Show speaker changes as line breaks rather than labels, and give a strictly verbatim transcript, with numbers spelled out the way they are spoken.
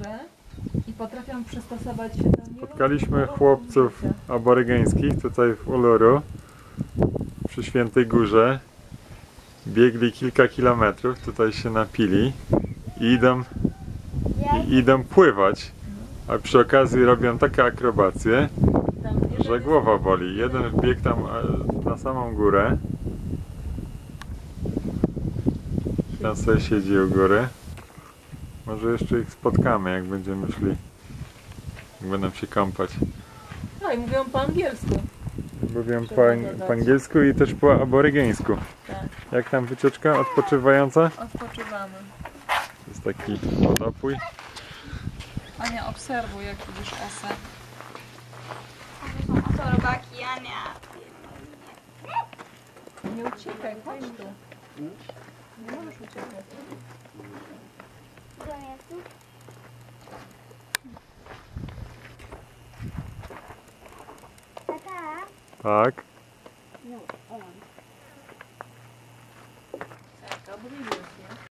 górę i potrafią przystosować się do niej.
Spotkaliśmy chłopców aborygeńskich tutaj w Uluru przy Świętej Górze. Biegli kilka kilometrów, tutaj się napili i idą, i idą pływać, a przy okazji robią takie akrobacje, że głowa boli. Jeden wbiegł tam na samą górę. Tam sobie siedzi u góry. Może jeszcze ich spotkamy, jak będziemy szli. Jak będą się kąpać.
No i mówią po angielsku.
Mówią po, po angielsku i też po aborygeńsku.
Tak.
Jak tam wycieczka odpoczywająca?
Odpoczywamy.
To jest taki wodopój.
Ania, obserwuj, jak widzisz osę.
To robaki, Ania.
Nie uciekaj, chodź tu. Nie możesz uciekać.
Tata?
Tak.
No, on.
Tak, obliwił się.